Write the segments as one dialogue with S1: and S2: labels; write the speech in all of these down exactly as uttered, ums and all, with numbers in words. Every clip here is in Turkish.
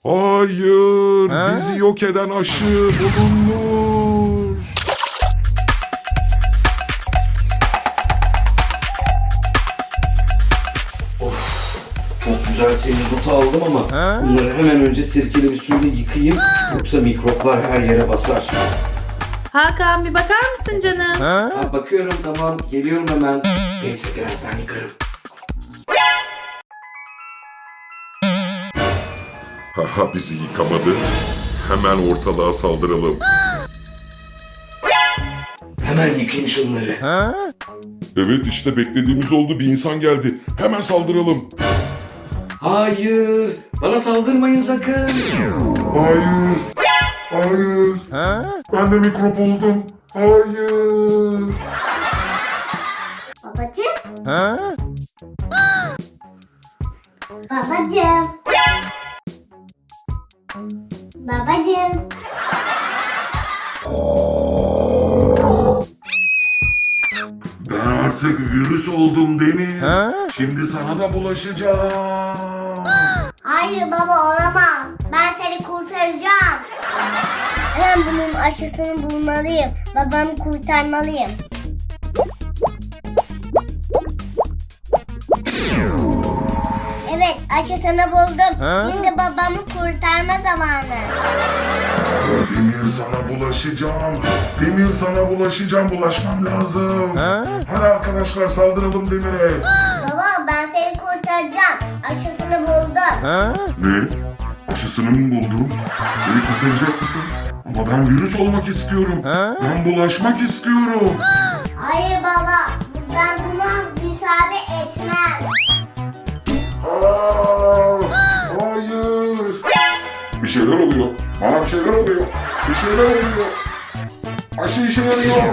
S1: Hayır, bizi yok eden aşı bulunmuş.
S2: Çok güzel semizotu aldım ama bunları hemen önce sirkeli bir suyla yıkayayım. Yoksa mikroplar her yere basar.
S3: Hakan bir bakar mısın canım?
S2: Ha, bakıyorum, tamam, geliyorum hemen. Neyse, birazdan yıkarım.
S1: Haha, bizi yıkamadı. Hemen ortalığa saldıralım.
S2: Hemen yıkayayım şunları.
S1: Evet, işte beklediğimiz oldu. Bir insan geldi. Hemen saldıralım.
S2: Hayır, bana saldırmayın sakın.
S1: Hayır. Hayır. Ben de mikrop oldum. Hayır.
S4: Babacığım. Babacığım. Babacığım.
S1: Ben artık virüs oldum Demir. Şimdi sana da bulaşacağım.
S4: Hayır baba, olamaz. Ben seni kurtaracağım. Hemen bunun aşısını bulmalıyım. Babamı kurtarmalıyım. Evet, aşısını buldum. Şimdi babamı kurtarma zamanı.
S1: Demir, sana bulaşacağım. Demir, sana bulaşacağım. Bulaşmam lazım. Hadi arkadaşlar, saldıralım Demir'e.
S4: Baba, ben seni kurtaracağım. Aşısını buldum.
S1: Ne? Aşısını mı buldun? Beni kurtaracak mısın? Ama ben virüs olmak istiyorum. Ben bulaşmak istiyorum.
S4: Hayır baba, ben buna müsaade etmem.
S1: Aa, hayır. Bir şeyler oluyor. Bana bir şeyler oluyor. Bir şeyler oluyor. Aşı işe yarıyor.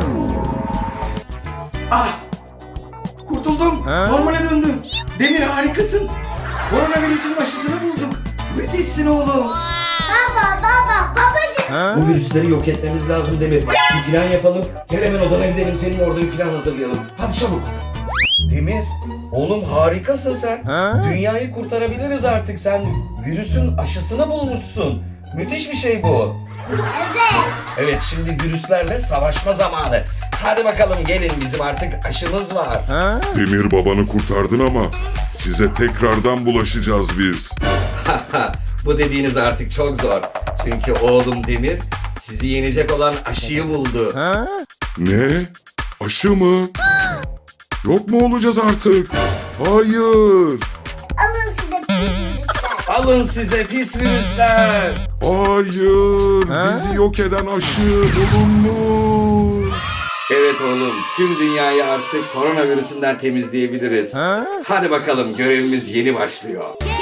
S2: Ah! Kurtuldum. Normale döndüm. Demir, harikasın. Koronavirüsün aşısını bulduk. Müthişsin oğlum.
S4: Baba, baba, babacığım.
S2: Bu virüsleri yok etmemiz lazım Demir. Bir plan yapalım. Gel hemen odana gidelim. Senin orada bir plan hazırlayalım. Hadi çabuk. Demir, oğlum harikasın sen. Dünyayı kurtarabiliriz artık. Sen virüsün aşısını bulmuşsun. Müthiş bir şey bu.
S4: Evet.
S2: Evet, şimdi virüslerle savaşma zamanı. Hadi bakalım gelin, bizim artık aşımız var.
S1: Demir, babanı kurtardın ama size tekrardan bulaşacağız biz.
S2: Bu dediğiniz artık çok zor. Çünkü oğlum Demir sizi yenecek olan aşıyı buldu.
S1: Ne? Aşı mı? Yok mu olacağız artık? Hayır.
S4: Alın size bir virüsler.
S2: Alın size pis virüsler.
S1: Hayır. Bizi yok eden aşı bulunmuş.
S2: Evet oğlum, tüm dünyayı artık koronavirüsünden temizleyebiliriz. Hadi bakalım, görevimiz yeni başlıyor.